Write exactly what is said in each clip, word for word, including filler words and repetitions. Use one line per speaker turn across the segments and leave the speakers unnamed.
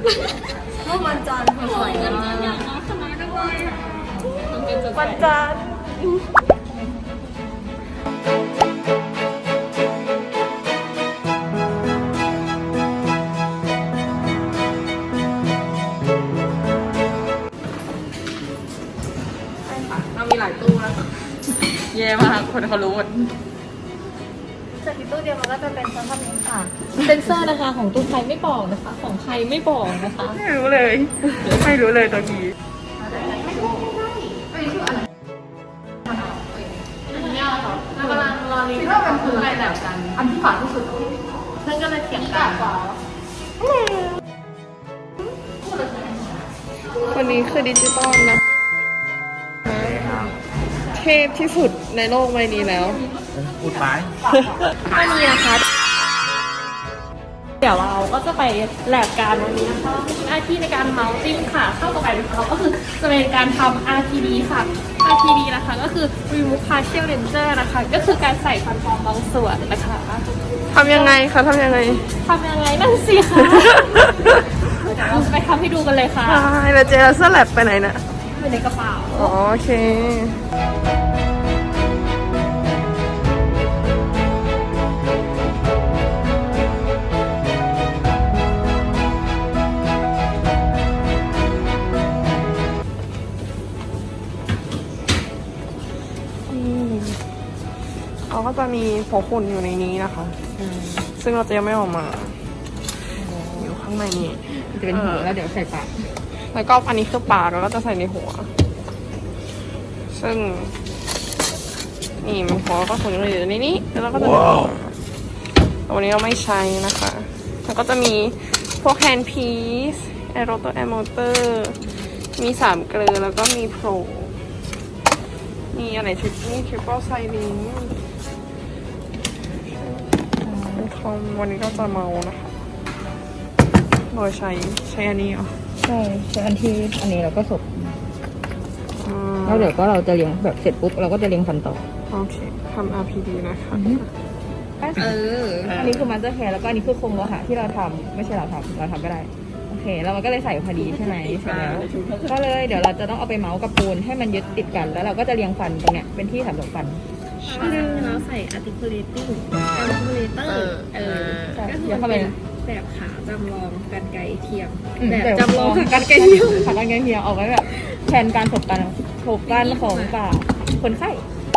เมื่อวันจันทร์สวยงามวันจันทร์เรามีหลายตู้นะเย่มากคนเขารู้หมดแต่ที่ตู้เดียวมันก็จะเป็นชั้นทำนี้ค่ะเซนเซอร์นะคะของตู้ไทยไม่บอกนะคะของไทยไม่บอกนะคะไม่รู้เลยไม่รู้เลยตัวนี้กำลังรอรีว่ามันคืออะไรแบบกันอันที่ฝาที่สุดเพื่อนก็เลยเถียงกันวันนี้คือดิจิตอลนะเทพที่สุดในโลกใบนี้แล้ว
พูดไป
วันนี้นะคะเดี๋ยวเราก็จะไปแลบการวันนี้นะคะมีหน้าที่ในการเมาส์ติ้งค่ะเข้าต่อไปของเราก็คือจะเป็นการทำ อาร์ ที ดี ค่ะ อาร์ ที ดี นะคะก็คือ remove partial lenser นะคะก็คือการใส่ฟันปลอมบางส่วนนะคะทำยังไงคะทำยังไงทำยังไงนั่นสิคะเดี๋ยวเราไปทำให้ดูกันเลยค่ะใช่แล้วเจลเซอร์แลบไปไหนนะอยู่ในกระเป๋าอ๋อโอเคเขาก็จะมีหัวฝุ่นอยู่ในนี้นะคะซึ่งเราจะยังไม่ออกมาอยู่ข้างในนี้จะเป็นหัวแล้วเดี๋ยวใส่ปากแล้วก็อันนี้คือปากแล้วก็จะใส่ในหัวซึ่งนี่มันหัวก็ฝุ่นอยู่ในนี้แล้วเราก็จะวันนี้เราไม่ใช้นะคะแล้วก็จะมีพวกแฮนด์พีซแอโรโตแอร์มอเตอร์มีสามเกลือแล้วก็มีโปรมีอะไรทริปนี่ทริปเปิลไซลิงวันนี้ก็จะเมานะคะโดยใช้ใช้อันนี้เหรอ
ใช่ใช้อันที่อันนี้เราก็สบแล้วเดี๋ยวก็เราจะเลี้ยงแบบเสร็จปุ๊บเราก็จะเลี้ยงฟันต่อ
โอเคทำ อาร์ พี ดี นะคะ
เอออันนี้คือมันจะแคร์แล้วก็อันนี้คือโครงโลหะที่เราทำไม่ใช่เราทำเราทำก็ได้โอเคแล้วมันก็เลยใส่พอดีใช่ไหมเสร็จแล้วก็เลยเดี๋ยวเราจะต้องเอาไปเมาส์กับปูนให้มันยึดติดกันแล้วเราก็จะเลี้ยงฟันตรงเนี้ยเป็นที่สำหรับฟัน
เราใส่ articulating articulator เออก็คือเป็นแบบขาจำลองกรรไกรเทียมแบบจำลองกรรไกรเทียม
ขากรรไกรเทียมเอาไว้แบบแทนการถกกันถกกันของปากคนไข้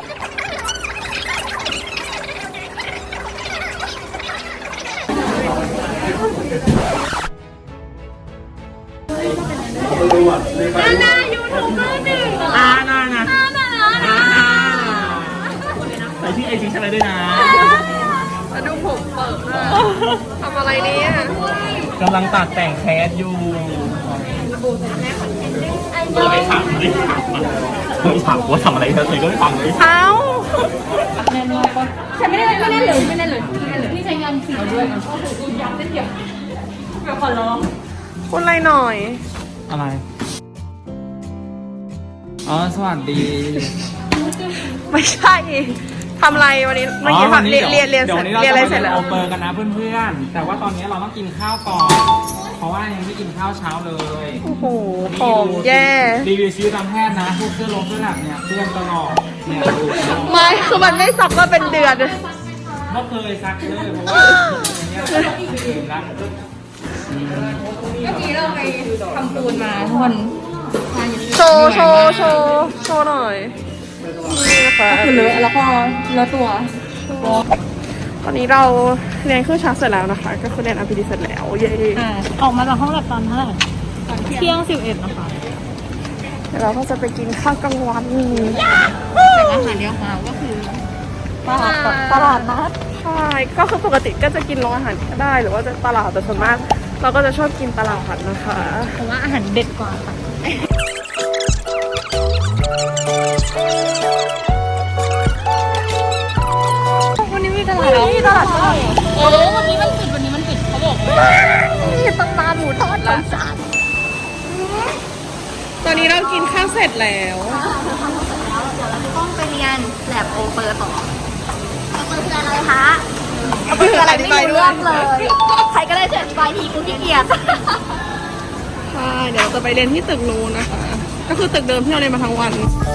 นานายูทูบเบอร์หนึ่ง
นานานาใส่ที่ไอจีใช่ไหมด้วยนะ
มาดูผมเปิดทำอะไรเนี่ย
กำลังตัดแต่งแคสอยู่เราไปถามดิไม่ถามว่าทำอะไรเธอเธอก็ไม่ฟังเลย
เอ้า
แน่นอนก็ฉันไม่ได้ไม่ได้เลยไม่ได้เลยไม่ได้เลยพี่ใช้ยังสีด้วยมันก็ถูกย้ำได้เดียวแบบขอร้อง
พูดอะไรหน่อย
อะไรอ๋อสวัสดี
ไม่ใช่ทำอะไรวันนี้เมื่อกี้เรียนเรียนเรียนเสร็จเรียนอะไรเสร็จแล้ว
โอเปอร์กันนะเพื่อนๆแต่ว่าตอนนี้เราต้องกินข้าวก่อนเพราะว่ายังไม่กินข้าวเช้าเลย
โอ้โหของแย่
รีวิวชีวิตทางแพทย์นะพวกเสื้อลงเสื้อหนักเนี่ยเพื่อนตลอดเนี่ยดู
ไม่คือมันไม่ซักมาเป็นเดือน
ไม่เคยซักเลยเพราะว่าอย่างเงี้ยลืมละ
เมื่อกี้เราไปทำปูนมาทุกคน
โชว์โชว์โชว์โชว์หน่อยนี่นะคะ
คือเลอะแล้วก็เลอะตัว
ตอนนี้เราเรียนเครื่องชักเสร็จแล้วนะคะก็คือเรียน อาร์ พี ดี เสร็จแล้วเย้
ออกมาจากห้องแลบตอนเท่าไหร่เที่ยงสิบเอ็ดนะคะ
เดี๋ยวเราก็จะไปกินข้าวกลางวัน
แต่อาหารเลี้ยงมาก็คือตลาดตลาดนัด
ใช่ก็คือปกติก็จะกินโรงอาหารก็ได้หรือว่าจะตลาดแต่ส่วนมากเราก็จะชอบกินตลาดนะคะ
เพราะว่าอาหารเด็ดกว่าค่ะวันนี้มีตลาด
มีตลาดด้วย
โอ้วันนี้มันปิดวันนี้มันปิดเขาบอก
มีตำนานหมูทอดแล้วตอนนี้เรากินข้าวเสร็จแล้ว
เดี๋ยวเราจะต้องไปเรียนแลบโอเปอร์ต่อโอเปอร์คืออะไรคะโอเปอร์คืออะไรไม่รู้เรื่องเลยใครก็ได้เสร็จไปทีกูขี้เกียจ
ช่เดี๋ยวเราจะไปเรียนที่ตึกนู้นนะคะ ก็คือตึกเดิมที่เราเรียนมาทั้งวัน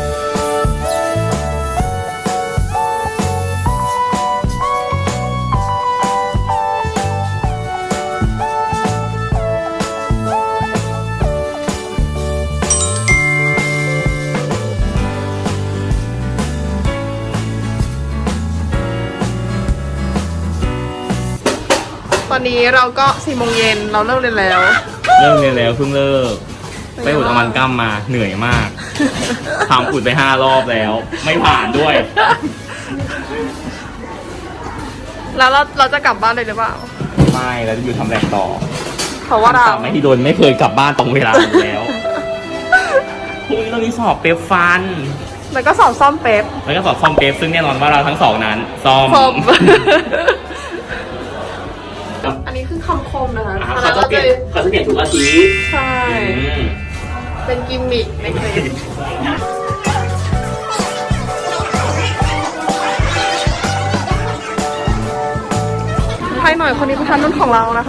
ตอนนี้เราก็สี่โมงเย็นเราเลิกเรียนแล้ว
เริ่มเรียนแล้วเพิ่งเลิกไปอุดอามันกัมมาเหนื่อยมากทำอุดไปห้ารอบแล้ว ไม่ผ่านด้วย
แล้วเราเราจะกลับบ้านเลยหรือเปล่า
ไม่แล้วจะอยู่ทำแลบต่อ
เพราะว่าเรา
ไม่ที่โดนไม่เคยกลับบ้านตรงเวลาอยู่แล้วพรุ่งนี้เรามีสอบเป๊ปฟัน
แล้วก็สอบซ่อมเป๊ป
แล้วก็สอบซ่อมเป๊ปซึ่งแน่นอนว่าเราทั้งสองนั้นซ่อม
ซ่อม อันนี้คือคำคมนะคะ
อ่าเขาจะเปลี่ยนเขาจะเปลี่ยนทุกอาทิตย์
ใช่
อืม
เป็นกิมมิคในคลิปให้หน่อยคนนี้ประธานรุ่นของเรานะคะ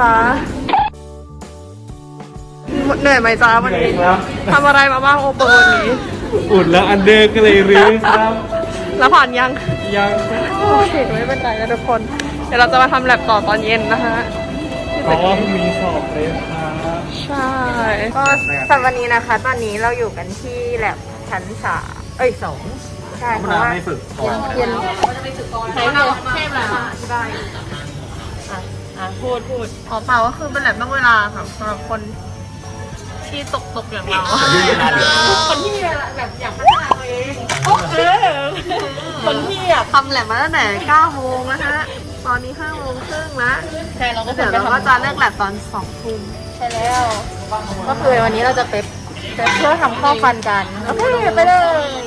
เหนื่อยไหมจ้าวันนี้ทำอะไรมาบ้างโอเปอร์วันนี้
อุดแล้วอันเดอร์ก็เลยรื้อครับ
แล้วผ่านยัง
ยัง
โอเคไม่เป็นไรนะทุกคน เดี๋ยวเราจะมาทำแลบต่อตอนเย็นนะคะ
เพราะว่าพรุ่งนี้สอบเลยครับ
ใช่
ก็สำหรับวันนี้นะคะ ตอนนี้เราอยู่กันที่แลบชั้นสามเอ้ยสองใช่เพ
คุณ
ราะ
อา
ว่า
ไม่ฝึกก่อน
เย็น
ใช้เราเทพแล้วที่ได้
อ่ะอ่ะพูดพูด
ขอเปล่าก็คือเป็นแลบนอกเวลาค่ะสำหรับคนที่ตกตกอย่างเรา คนที่แบบอยากพัฒนาตัวเองคนที่อยากทำแลบมาตั้งแต่เก้าโมงแล้วฮะตอนนี้ห้าโมงครึ่งแล้ว
ใช่เราก็
เดี๋ยวเราก็จะเลิกแลบตอนสองทุ่ม
ใช่แล้ว ก็คือวันนี้เราจะเป๊ปเป๊ปเพื่อทำข้อฟันกันโอเคไปเลย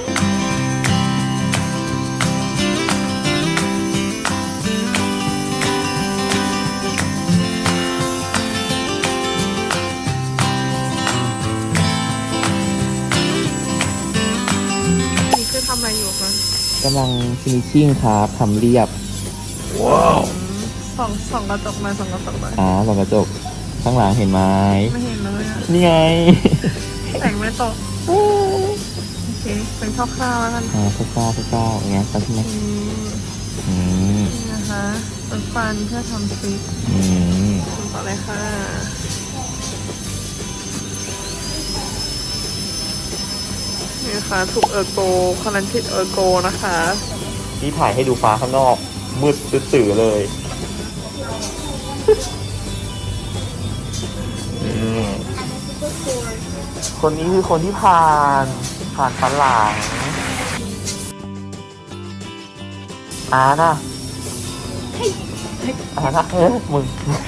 นี่คือทำอะไรอยู่คะ
กำลังฟินิชชิ่งครับทำเรียบ ว้าว
ส่องส่องกระจกมาส่องกระจกมา
อ่าส่องกระจกข้างหลังเห็นไหม
ไม่เห็นเลยอะ
นี่ไง
แต่งไม่ตกโอเคเป็นคร่าวๆแล้วกัน
อ่าพวกเก้าพวกเก้าอย่างเงี้ยครับใช่ไหม
อืม
อืม
นี่นะคะเป็นฟันเพื่อทำฟิก
อืม
ต่อเลยค่ะนี่นะคะถูกเออร์โกคอนันทิดเออร์โกนะคะ
ที่ถ่ายให้ดูฟ้าข้างนอก มืดตื่อๆเลยอืมคนนี้คือคนที่ผ่านผ่านฟันหลังอานะอานะเฮ้ยมึง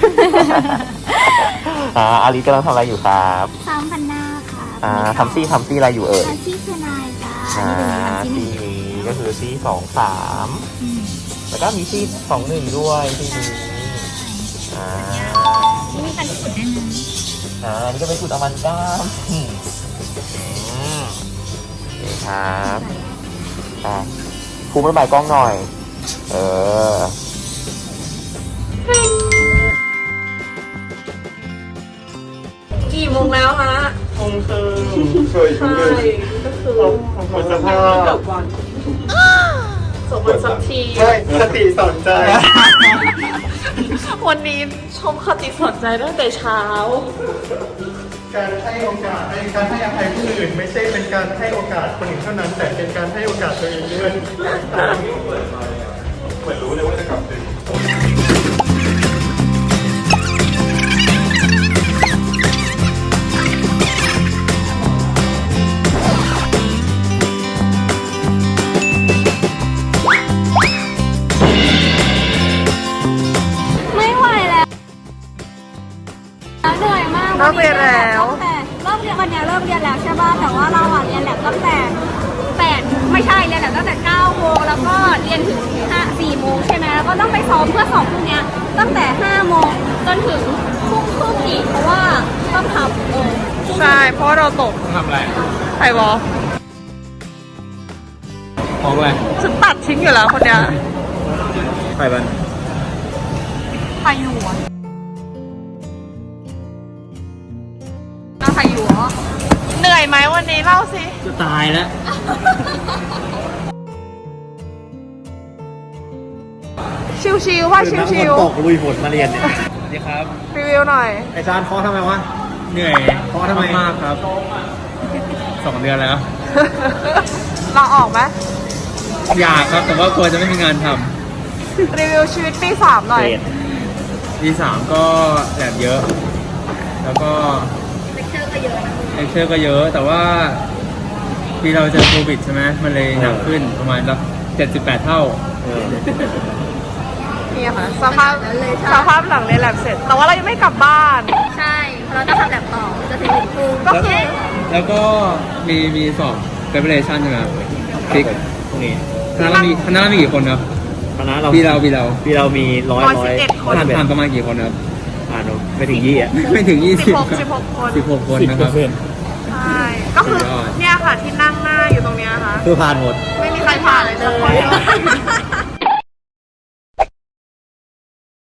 อ่าอาลิกำลังทำอะไรอยู่ครับ
สามพันหน้าค่ะ
อ่าทำซี่ทำซี่อะไรอยู่เอ่ย
ทำซี่คือนายจ้า
อ่า
อันนี้
ซี่
เป็นทำซี่หนึ่ง
นี้ก็คือซี่สองสามแล้วก็มีซี่สองหนึ่งด้วยซี่นี้อ่า
นี่มีการที่สุดแน่นอน
อ่าอันนี้ก็เป็นสูตรอามันก้ามอืมอืมโอเคครับอ่าภูมิระบายกล้องหน่อย เออ
กี่โมงแล้วฮะ
คงคือเคย
ใช่ก็คือ
หมดสภาพ
เกือบวันสมวันสักที
ใช่สติสนใจ
วันนี้ชมคติสนใจตั้งแต่เช้า
การให้โอกาสในการให้อภัยผู้อื่นไม่ใช่เป็นการให้โอกาสคนอื่นเท่านั้น แต่เป็นการให้โอกาสตัวเองด้วยเหมือนรู้เลยว่าจะกลับดึก
ไม่ไหวแล้วเหนื่อยมาก
เลิกเรียนแล้ว
ตั้งแต่เริ่มเรียนวันเนี้ยเริ่มเรียนแล้วใช่ป่ะแต่ว่าเราอ่ะเรียนแลบตั้งแต่แปดไม่ใช่เรียนแลบตั้งแต่เก้าโมงแล้วก็เรียนถึงห้าสี่โมงใช่ไหมแล้วก็ต้องไปซ้อมเพื่อสอบพรุ่งเนี้ยตั้งแต่ห้าโมงจนถึงทุ่มครึ่งอีกเพราะว่าต้องทำเออ
ใช่ เพราะว่าเราตก
ทำอะไร
ไข่บอล
ของอะไร
ฉันตัดทิ้งอยู่แล้วคนเนี้ย
ไข่บัน
ไข่หนวดนะคะ
ข่อยู่เหรอ
เหนื่อยไหมวันนี้เล่าสิ
จะตายแล้ว
ชิวๆว่าชิว
ตกลุยฝนมาเรียนเนี่ยสวัสดีครับ
ๆรีวิวหน่อย
ไอจานเคาะทำไมวะ เหนื่อยเคาะทำไมมากครับ สองเดือนแล้ว
เราออกไหม
อยากครับ แต่ว่ากลัวจะไม่มีงานท
รีวิวชีวิตปีสามหน่อย
ำปีสามก็แดดเยอะ แล้วก็เลคเชอร์ก็เยอะเลคเชอร์ก็เยอะ แต่ว่าที่เราเจอโควิดใช่ไหมมันเลยหนักขึ้นประมาณสักเจ็ดสิบแปดเท่า
นี่ค่ะสภาพสภาพหลังเรียนแลบเสร็จ แต่ว่าเรายังไม่กลับบ้าน
ใช่เพราะเราต้องทำแบบต่อจะถึงหนึ่งทุ่ม
ก็คือ
แล้วก็มีมีสอบเ r เ p เ r ชันใช่ไหมครับฟิกพวกนี้คณะเรามีคณะเรามีกี่คนครับ
คณะเรา
ปีเราปีเรา
ปีเรามีร้อย
ร้อย
ร้
สิ
อบ ย
เอ็ดคน
ผ่านผ่านประมาณกี่คนครับ
อ่านไม่ถึงยี่อ่ะ
ไม่ถึงยี่
สิ
สิ
บบ หกสิบหกคน
สิบหกคนนะครับ
ใช่ ก็คือ
สุดยอด
เนี่ยค่ะที่นั่งหน้าอยู่ตรงเนี้ยค่ะ
คือผ่านหมด
ไม่มีใครผ่านเลยสักคน